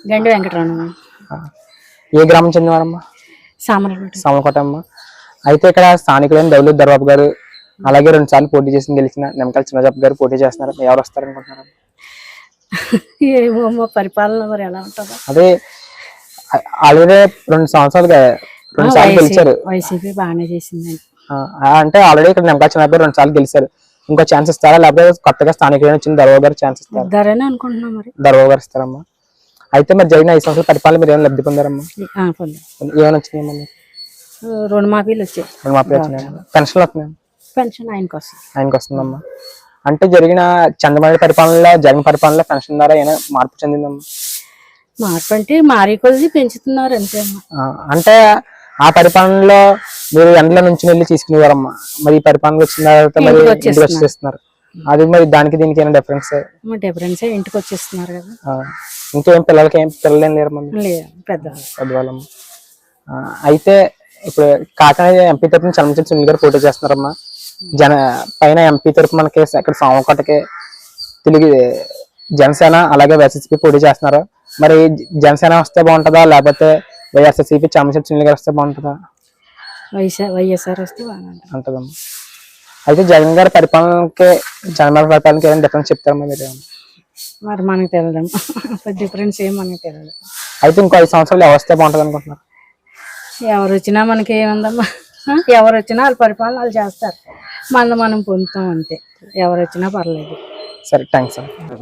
గండి వెంకటరమణ. ఏ గ్రామం చెందినవారమ్మా? సామలకోట అమ్మ. అయితే ఇక్కడ స్థానికులైన దౌలత్ దర్బాబు గారు అలాగే 2 సార్లు పోటీ చేసి గెలిచిన నిమ్మకాయల చిన్నజాబ్ గారు పోటీ చేస్తున్నారు. ఎవరు వస్తారనుకుంటున్నారు? ఏమో పరిపాలన మరి ఎలా ఉంటుందో. అదే ఆల్రెడీ 2 సంవత్సరాలుగా 2 సార్లు గెలిచారు. వైసీపీ బాగానే చేసింది. అంటే ఆల్రెడీ ఇక్కడ నిమ్మకాయల చిన్నజాబ్ గారు 2 సార్లు గెలిచారు. ఇంకో ఛాన్స్ ఇస్తారా లేకపోతే కొత్తగా స్థానికులైన వచ్చిన దర్బాబు గారు ఛాన్స్ ఇస్తారా? అనుకుంటున్నాం మరి. దర్బాబు గారు ఇస్తారమ్మా. అయితే మరి జరిగిన 5 సంవత్సరాల పరిపాలన మీరు ఏమైనా లబ్ధి పొందారమ్మా? ఏమైనా వచ్చినాయమ్మా? రుణమాఫీలు వచ్చాయి. పెన్షన్లు వస్తున్నాయి. పెన్షన్ ఆయనకు వస్తుందమ్మా. అంటే జరిగిన చంద్రబాబు పరిపాలనలో జగన్ పరిపాలనలో పెన్షన్ ద్వారా ఏమైనా మార్పు చెందిందమ్మా? మార్పు అంటే మారి కొద్ది పెంచుతున్నారు అంతే అమ్మా. అంటే ఆ పరిపాలనలో మీరు ఎండల నుంచి వెళ్ళి తీసుకునేవారమ్మా. మరి ఈ పరిపాలన వచ్చిన తర్వాత మరి ఇంటికి వచ్చేస్తున్నారు. అది మరి దానికి దీనికి ఏమైనా డిఫరెన్స్? ఇంటికి వచ్చేస్తున్నారు కదా. ఇంకేం పిల్లలు ఏం లేరు పెద్దవాళ్ళమ్మ. అయితే ఇప్పుడు కాకినాడ ఎంపీ తరఫున చలమచంద్ర సునీల్ గారు పోటీ చేస్తున్నారమ్మా. పైన ఎంపీ తరఫు మనకి ఇక్కడ సామకోటకి తెలుగు జనసేన అలాగే వైఎస్ఆర్సీపీ పోటీ చేస్తున్నారు. మరి జనసేన వస్తే బాగుంటుందా లేకపోతే వైఎస్ఆర్సీపీ చలమచంద్ర సునీల్ గారు వస్తే బాగుంటుందా? వైఎస్ఆర్ వస్తే బాగుంటుందమ్మా. అయితే జగన్ గారి పరిపాలనకి చంద్రబాబు పరిపాలనకి ఏమైనా డిఫరెన్స్ చెప్తారమ్మా మీరు? మరి మనకు తెలియదమ్మా. డిఫరెన్స్ ఏం మనకి తెలియదు. అయితే ఇంకో 5 సంవత్సరాలు ఎవరు వస్తే బాగుంటుంది అనుకుంటున్నారు? ఎవరు వచ్చినా మనకి ఏముందమ్మా. ఎవరు వచ్చినా వాళ్ళ పరిపాలన వాళ్ళు చేస్తారు. మనం పొందుతాం అంతే. ఎవరు వచ్చినా పర్లేదు. సరే థ్యాంక్స్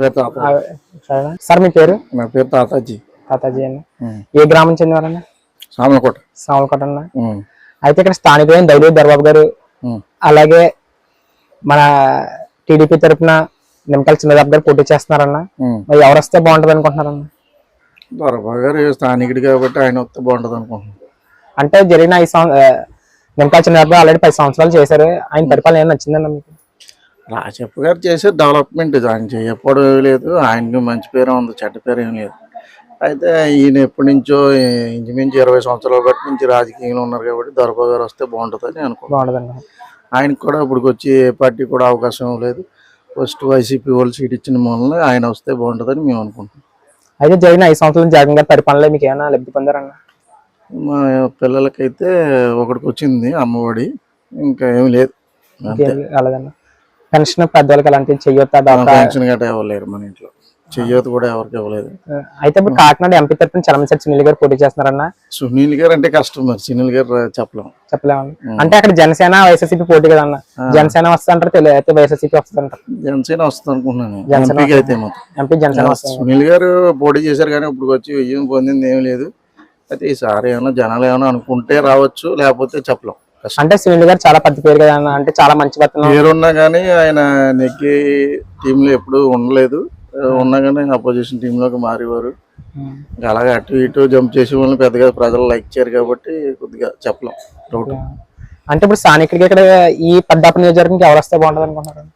సార్. మీ పేరు? నా పేరు తాతాజీ అన్న. ఏ గ్రామం చెందినవారన్నా? సామలకోట అన్న. అయితే ఇక్కడ స్థానికులైన దౌలత్ దర్బాబు గారు అలాగే మన టీడీపీ తరఫున నిమ్మకాయల చిన్నజాబ్ గారు పోటీ చేస్తున్నారన్న. మరి ఎవరు వస్తే బాగుంటది అనుకుంటున్నారన్న? దర్బాబు గారు స్థానికుడు కాబట్టి ఆయన వస్తే బాగుంటది అనుకుంటున్నాను. అంటే జరిగిన నిమ్మకాయల చిన్నజాబ్ గారు ఆల్రెడీ 10 సంవత్సరాలు చేశారు. ఆయన పరిపాలన ఏం నచ్చిందన్న మీకు? రాజప్ప గారు చేసే డెవలప్మెంట్ ఆయన చేయకపోవడం ఏమీ లేదు. ఆయనకి మంచి పేరు ఉంది, చెడ్డ పేరు ఏం లేదు. అయితే ఈయన ఎప్పటి నుంచో ఇంచుమించు 20 సంవత్సరాల బట్టి నుంచి రాజకీయంలో ఉన్నారు కాబట్టి దర్బాబు గారు వస్తే బాగుంటుందని అనుకుంటున్నాను. ఆయనకు కూడా ఇప్పటికి వచ్చి ఏ పార్టీ కూడా అవకాశం లేదు. ఫస్ట్ వైసీపీ వాళ్ళు సీట్ ఇచ్చిన మూలన ఆయన వస్తే బాగుంటుందని మేము అనుకుంటున్నాం. అయితే జరిగిన 5 సంవత్సరాలు జగన్ గారి పరిపాలనలో మీకు ఏమైనా లబ్ధి పొందారన్న? మా పిల్లలకైతే ఒకటికి వచ్చింది అమ్మఒడి, ఇంకా ఏమి లేదు. అలాగన్నా పెన్షన్ పెద్దవాళ్ళకి అలాంటివి చెయ్యొద్దా? పెన్షన్ గట్రా ఇవ్వలేరు మన ఇంట్లో. చెయ్యొద్దు కూడా ఎవరికి ఇవ్వలేదు. అయితే ఇప్పుడు కాకినాడ ఎంపీ తరఫున చలమచంద్ర సునీల్ గారు పోటీ చేస్తున్నారన్న. సునీల్ గారు అంటే కష్టం, మరి సునీల్ గారు చెప్పలేము. అంటే అక్కడ జనసేన వైఎస్ఆర్సీపీ పోటీ కదా అన్న. జనసేన వస్తుంటారు అయితే వైఎస్ఆర్సీపీ వస్తుంటారు. జనసేన వస్తుంది అనుకుంటున్నాను. ఎంపీ జనసేన. సునీల్ గారు పోటీ చేశారు కానీ ఇప్పుడు వచ్చి ఏం పొందింది ఏం లేదు. అయితే ఈసారి ఏమైనా జనాలు ఏమైనా అనుకుంటే రావచ్చు, లేకపోతే చెప్పలేం. అంటే సునీల్ గారు చాలా పెద్ద పేరు కదా అన్న. అంటే చాలా మంచి పేరున్నా కానీ ఆయన నెగ్గి టీంలో ఎప్పుడు ఉండలేదు. ఉన్నా కానీ అపోజిషన్ టీమ్ లోకి మారేవారు. అలాగే అటు ఇటు జంప్ చేసే వాళ్ళని పెద్దగా ప్రజలు లైక్ చేయరు కాబట్టి కొద్దిగా చెప్పలేం. అంటే ఇప్పుడు స్థానికుడికి ఇక్కడ ఈ పెద్దాప నియోజకవర్గానికి ఎవరు వస్తే బాగుంటుంది అనుకుంటున్నారు?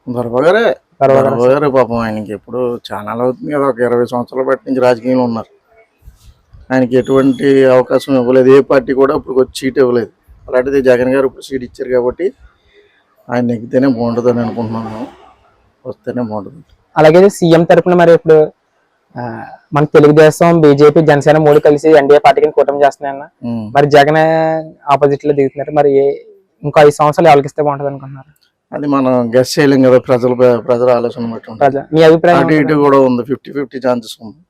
దర్బాబు గారే పాపం. ఆయనకి ఎప్పుడు చాలా అవుతుంది కదా, ఒక 20 సంవత్సరాల బట్టి నుంచి రాజకీయంలో ఉన్నారు. ఆయనకి ఎటువంటి అవకాశం ఇవ్వలేదు. ఏ పార్టీ కూడా ఇప్పుడు వచ్చి సీట్ ఇవ్వలేదు. అలాంటిది జగన్ గారు ఇప్పుడు సీట్ ఇచ్చారు కాబట్టి ఆయన నెగ్గితేనే బాగుంటుంది అని అనుకుంటున్నాను. వస్తేనే బాగుంటుంది. అలాగే సీఎం తరఫున మరి ఇప్పుడు మన తెలుగుదేశం, బీజేపీ, జనసేన 3 కలిసి ఎన్డీఏ పార్టీకి కూటమి చేస్తున్నాయన్న. మరి జగన్ ఆపోజిట్ లో దిగుతున్నారు. మరి ఇంకో 5 సంవత్సరాలు ఎవరికి ఇస్తే బాగుంటుంది అనుకుంటున్నారు? అది మనం గెస్ చేయలేం కదా. ప్రజల ఆలోచన బట్టి మీ అభిప్రాయం? అటు ఇటు కూడా ఉంది, 50-50 ఛాన్సెస్ ఉంది.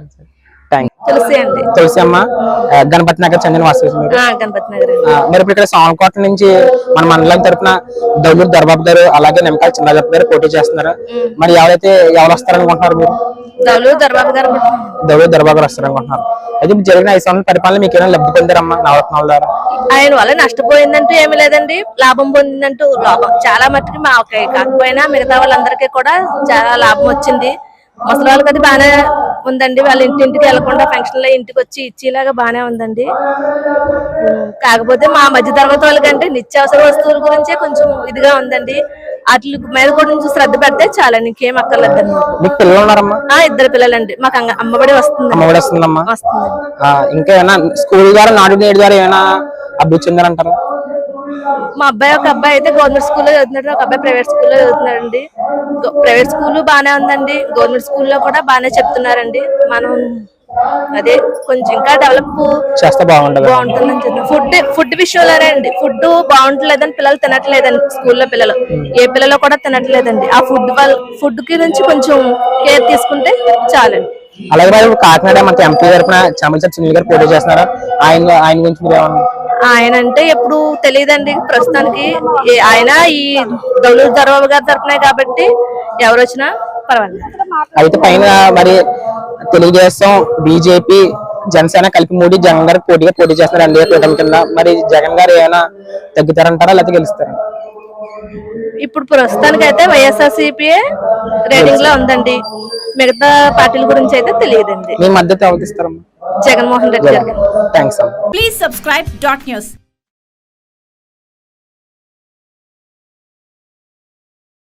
తులసి అమ్మ, గణపతి నగర్ చెందిన వాస్తవం. మరి ఇప్పుడు ఇక్కడ సామలకోట నుంచి మన మండలం తరఫున దౌలత్ దర్బాబు గారు అలాగే నిమ్మకాయల చిన్నజాబ్ గారు పోటీ చేస్తున్నారు. మరి ఎవరు వస్తారనుకుంటున్నారు మీరు? దౌలత్ దర్బాబు గారు వస్తారనుకుంటున్నారు. అయితే జరిగిన 5 సంవత్సరాల పరిపాలన మీకు ఏమైనా లబ్ధి పొందారమ్మా నవరత్నాల ద్వారా? ఆయన వల్ల నష్టపోయిందంటూ ఏమి లేదండి, లాభం పొందిందంటూ చాలా మట్టుకు మా కాకపోయినా మిగతా వాళ్ళందరికీ కూడా చాలా లాభం వచ్చింది. ముసలి వాళ్ళకి అది బాగానే ఉందండి. వాళ్ళ ఇంటింటికి వెళ్లకుండా ఫంక్షన్ లో ఇంటికి వచ్చి ఇచ్చేలాగా బాగానే ఉందండి. కాకపోతే మా మధ్య తరగతి వాళ్ళకంటే నిత్యావసర వస్తువుల గురించే కొంచెం ఇదిగా ఉందండి. వాటి మీద కూడా కొంచెం శ్రద్ధ పెడితే చాలా, ఇంకేం అక్కర్లేదండి. మీకు పిల్లలు ఉన్నారమ్మా? 2 పిల్లలండి. మాకు అమ్మఒడి వస్తుంది. ఇంకా ఏమైనా స్కూల్ ద్వారా నాడు నేడు ద్వారా ఏమైనా అభివృద్ధి చెందారంటారా? మా అబ్బాయి ఒక అబ్బాయి అయితే గవర్నమెంట్ స్కూల్లో చదువుతున్నాడు, ఒక అబ్బాయి ప్రైవేట్ స్కూల్లో చదువుతున్నాడండి. ప్రైవేట్ స్కూల్ బాగానే ఉందండి, గవర్నమెంట్ స్కూల్లో కూడా బాగానే చెప్తున్నారండి. మనం అదే కొంచెం ఇంకా డెవలప్ చేస్తే బాగుంటది. బాగుంటుందని చెప్తాను. ఫుడ్ విషయంలోనే అండి, ఫుడ్ బాగుంటలేదని పిల్లలు తినట్లేదండి, స్కూల్లో పిల్లలు ఏ పిల్లలు కూడా తినట్లేదండి. ఆ ఫుడ్ కి నుంచి కొంచెం కేర్ తీసుకుంటే చాలండి. అలాగే మరి కాకినాడ మనకి ఎంపీ తరఫున చామల సునీల్ గారు పోటీ చేస్తున్నారు. ఆయన గురించి మీరు ఏమన్నా? ఆయన అంటే ఎప్పుడు తెలియదండి ప్రస్తుతానికి. ఆయన ఈ దౌలూరు దర్బాబు గారి తరపునే కాబట్టి ఎవరు వచ్చినా పర్వాలేదు. అయితే పైన మరి తెలుగుదేశం, బీజేపీ, జనసేన కలిపి 3 జగన్ గారికి పోటీ చేస్తున్నారు ఎన్డీఏ కూటమి కింద. మరి జగన్ గారు ఏమైనా తగ్గుతారంటారా లేకపోతే గెలుస్తారా? ఇప్పుడు ప్రస్తుతానికి అయితే వైఎస్ఆర్సీపీ రేటింగ్ లో ఉందండి. మిగతా పార్టీల గురించి అయితే తెలియదండి. మీ మద్దతు ఎవరికి ఇస్తారమ్మా? జగన్మోహన్ రెడ్డి గారికి. థ్యాంక్స్ అమ్మా. Please subscribe dot news.